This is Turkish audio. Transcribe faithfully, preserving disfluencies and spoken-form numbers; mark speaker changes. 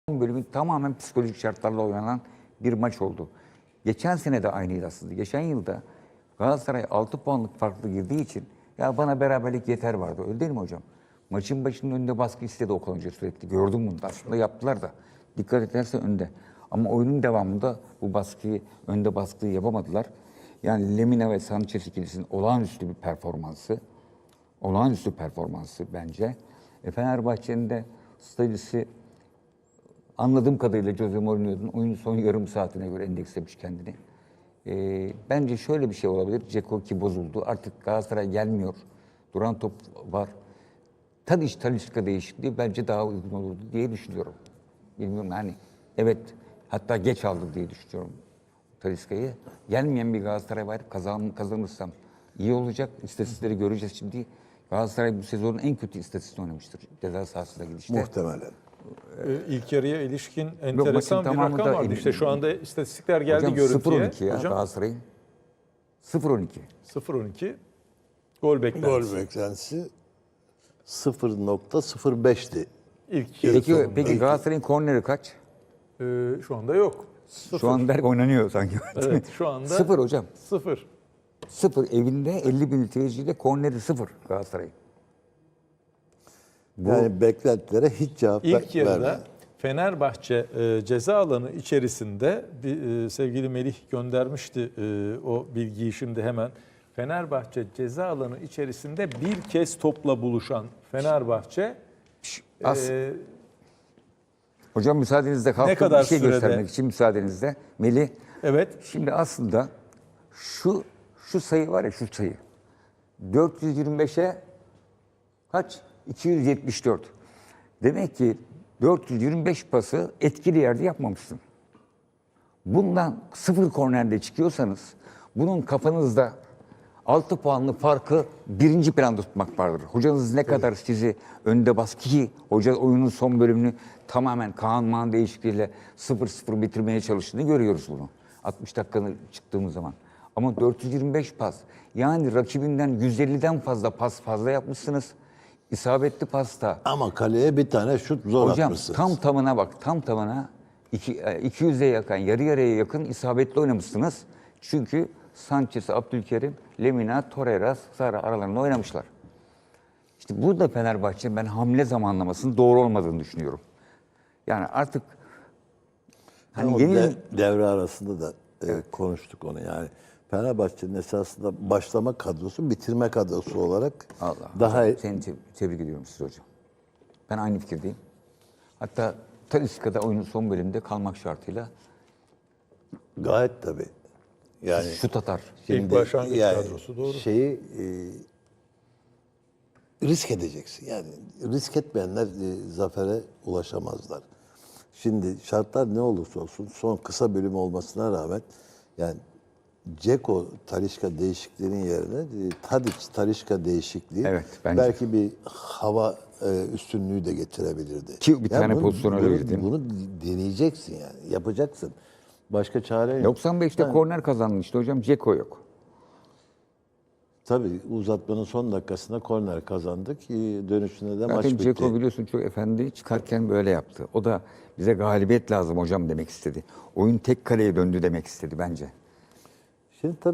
Speaker 1: Bölümü tamamen psikolojik şartlarla oynanan bir maç oldu. Geçen sene de aynıydı aslında. Geçen yılda Galatasaray altı puanlık farklı girdiği için ya bana beraberlik yeter vardı. Öyle değil mi hocam? Maçın başının önünde baskı istedi Okan Hoca sürekli. Gördüm bunu da. Aslında yaptılar da. Dikkat ederse önde. Ama oyunun devamında bu baskıyı, önde baskıyı yapamadılar. Yani Lemina ve Sanchez ikilisinin olağanüstü bir performansı. Olağanüstü performansı bence. E Fenerbahçe'nin de stajisi anladığım kadarıyla Jose Mourinho'nun oyunun son yarım saatine göre endekslemiş kendini. Ee, bence şöyle bir şey olabilir. Dzeko ki bozuldu. Artık Galatasaray gelmiyor. Duran top var. Tadiç Talisca değişikliği bence daha uygun olurdu diye düşünüyorum. Bilmiyorum yani. Evet. Hatta geç aldı diye düşünüyorum Talisca'yı. Gelmeyen bir Galatasaray var. Kazan, kazanırsam iyi olacak. İstatistikleri göreceğiz şimdi. Galatasaray bu sezonun en kötü istatistiğini oynamıştır. Ceza sahasına gidişte.
Speaker 2: Muhtemelen.
Speaker 3: Ee, İlk yarıya ilişkin enteresan bir rakam
Speaker 1: da,
Speaker 3: vardı. İşte şu anda istatistikler geldi
Speaker 1: hocam,
Speaker 3: görüntüye.
Speaker 1: sıfır on iki ya
Speaker 3: Hocam
Speaker 1: Galatasaray'ın. sıfır on iki.
Speaker 3: sıfır on iki gol beklentisi.
Speaker 2: Gol beklentisi sıfır nokta sıfır beşti.
Speaker 3: İlk yarı
Speaker 1: Peki,
Speaker 3: sonunda.
Speaker 1: peki Galatasaray'ın korneri kaç?
Speaker 3: Ee, şu anda yok. Sıfır.
Speaker 1: Şu anda oynanıyor sanki.
Speaker 3: Evet, şu anda
Speaker 1: Sıfır hocam.
Speaker 3: Sıfır.
Speaker 1: Sıfır. Evinde elli bin seyirciyle korneri sıfır Galatasaray'ın. Bu,
Speaker 2: Yani beklentilere hiç cevap ver-
Speaker 3: İlk yarıda
Speaker 2: vermedi.
Speaker 3: Fenerbahçe e, ceza alanı içerisinde bir, e, sevgili Melih göndermişti e, o bilgiyi şimdi hemen. Fenerbahçe ceza alanı içerisinde bir kez topla buluşan Fenerbahçe
Speaker 1: as,
Speaker 3: e,
Speaker 1: hocam müsaadenizle kalkıp
Speaker 3: kadar
Speaker 1: bir şey
Speaker 3: sürede?
Speaker 1: göstermek için müsaadenizle. Melih,
Speaker 3: evet
Speaker 1: şimdi aslında şu şu sayı var ya şu sayı. dört yüz yirmi beşe kaç? iki yüz yetmiş dört. Demek ki dört yüz yirmi beş pası etkili yerde yapmamışsın. Bundan sıfır kornerde çıkıyorsanız bunun kafanızda altı puanlık farkı birinci planda tutmak vardır. Hocanız ne kadar sizi önde baskı ki hoca oyunun son bölümünü tamamen Kaan Maan değişikliğiyle sıfır sıfır bitirmeye çalıştığını görüyoruz bunu. altmış dakikanın çıktığımız zaman. Ama dört yüz yirmi beş pas yani rakibinden yüz elliden fazla pas fazla yapmışsınız. İsabetli pasta.
Speaker 2: Ama kaleye bir tane şut zor
Speaker 1: Hocam
Speaker 2: atmışsınız.
Speaker 1: tam tamına bak, tam tamına iki, iki yüze yakın, yarı yarıya yakın isabetli oynamışsınız. Çünkü Sanchez, Abdülkerim, Lemina, Torreira, Sara aralarında oynamışlar. İşte burada Fenerbahçe ben hamle zamanlamasının doğru olmadığını düşünüyorum. Yani artık hani
Speaker 2: Ama
Speaker 1: yeni
Speaker 2: de- devre arasında da e, konuştuk onu yani. Fenerbahçe'nin esasında başlama kadrosu, bitirme kadrosu olarak
Speaker 1: Allah
Speaker 2: daha
Speaker 1: hocam, seni te- tebrik ediyorum siz hocam. Ben aynı fikirdeyim. Hatta Talisca'da oyunun son bölümünde kalmak şartıyla
Speaker 2: gayet tabii. Yani
Speaker 1: şut atar.
Speaker 3: ilk başlangıç
Speaker 2: yani
Speaker 3: kadrosu doğru.
Speaker 2: şeyi e, risk edeceksin. Yani risk etmeyenler e, zafere ulaşamazlar. Şimdi şartlar ne olursa olsun son kısa bölüm olmasına rağmen yani Dzeko Talisca değişikliğinin yerine e, Tadic Talisca değişikliği
Speaker 1: Evet, bence.
Speaker 2: belki bir hava e, üstünlüğü de getirebilirdi.
Speaker 1: Ki bir tane
Speaker 2: bunu-
Speaker 1: pozisyon öyle
Speaker 2: bunu,
Speaker 1: girdi.
Speaker 2: bunu deneyeceksin yani. Yapacaksın. Başka çare yok.
Speaker 1: doksan beşte
Speaker 2: Yani-
Speaker 1: korner kazandın işte hocam. Dzeko yok.
Speaker 2: Tabii uzatmanın son dakikasında korner kazandık. Ee, Dönüşünde de maç
Speaker 1: Zaten
Speaker 2: bitti.
Speaker 1: Dzeko biliyorsun çok efendi çıkarken böyle yaptı. O da bize galibiyet lazım hocam demek istedi. Oyun tek kaleye döndü demek istedi bence.
Speaker 2: Şimdi tabii